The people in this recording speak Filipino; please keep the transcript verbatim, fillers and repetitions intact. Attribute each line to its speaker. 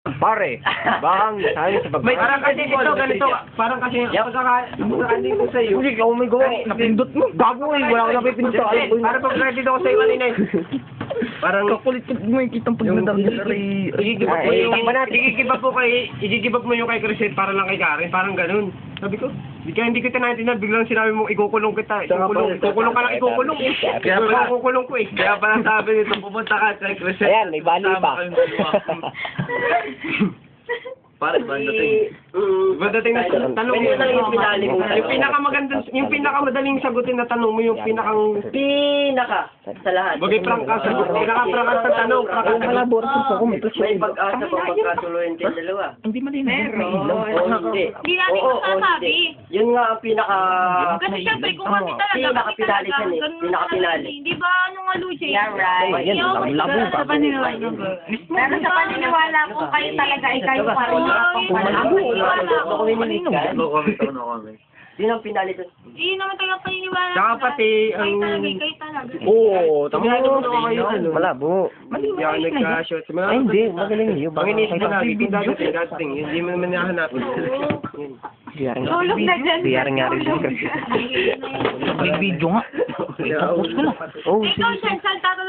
Speaker 1: Pare, bakang sabi sa pag-
Speaker 2: May parang kasi ito, ganito, parang kasi, pagkaka, pagkakaandin ko sa'yo.
Speaker 1: Hindi, oh my God, napindot mo. Gago eh, wala ko napipindot sa alam ko yun.
Speaker 2: Para pag credit ako sa'yo kanina eh. Parang,
Speaker 3: Kakulit ko mo yung kitang pagdadang nila rin.
Speaker 2: igigibap mo
Speaker 1: Ay,
Speaker 2: yung,
Speaker 1: takbo natin.
Speaker 2: igigibap mo kay, igigibap mo yung kay Crescent para lang kay Karen, parang ganun. Sabi ko, di kaya hindi kita naintindihan, biglang sinabi mong ikukulong kita, ikukulong, ikukulong ka lang, ikukulong eh. Kaya pala ikukulong ko eh.
Speaker 4: Kaya pala sabi nito, pumunta ka kay Crescent.
Speaker 1: Ayan, may bali pa.
Speaker 4: Pare, ba dating?
Speaker 2: Iba dating na tanong mo
Speaker 5: Pwede lang yung pinali mo.
Speaker 2: Yung pinakamagandang, yung pinakamadaling sagutin na tanong mo, yung pinakang,
Speaker 5: Pinaka sa lahat.
Speaker 2: bagay prangka ka, sagot, pinaka-prangka sa tanong, prangka sa sagot.
Speaker 3: Borsos ako, may
Speaker 5: May pag-asa pa pagkatuloyin kayong dalawa.
Speaker 3: Hindi malinaw.
Speaker 5: Oo, hindi.
Speaker 6: Hindi namin
Speaker 5: Oo, oo,
Speaker 6: masasabi.
Speaker 5: hindi. Yun nga ang pinaka...
Speaker 6: Kasi syempre, kung kami talaga,
Speaker 5: Pinaka-pinali
Speaker 6: kami
Speaker 5: yan eh.
Speaker 6: ganun
Speaker 5: Pinaka-pinali.
Speaker 6: talaga. Hindi ba, ano nga, Lucy?
Speaker 7: Yeah, right.
Speaker 1: Ayan, labo
Speaker 6: Sa
Speaker 1: ka.
Speaker 6: paniniwala ko.
Speaker 7: Pero sa paniniwala ko, kayo talaga ay kayo pa rin.
Speaker 5: Ako minimiss ka.
Speaker 4: No comment ako, no comment.
Speaker 5: Yun ang pinali doon.
Speaker 6: Hindi naman talaga paniniwala.
Speaker 2: Tsaka
Speaker 6: ko.
Speaker 2: pati,
Speaker 6: Kayo
Speaker 2: ang-
Speaker 6: talaga, kayo talaga.
Speaker 1: Oo, tama
Speaker 2: Ginagawa
Speaker 1: mo.
Speaker 2: mo kayo, ano?
Speaker 1: Malabo.
Speaker 2: Hindi ako nagka-shot.
Speaker 1: Ay, hindi, magaling yun.
Speaker 2: Ang inisip ko lagi, kung dadating, dadating, hindi mo naman nahanapin. Yun.
Speaker 1: Diyaring nga.
Speaker 7: Tulog na dyan.
Speaker 1: Diyaring nga rin.
Speaker 3: Big video nga. Focus ko na.
Speaker 1: Oh,
Speaker 6: Ikaw, Shan, saan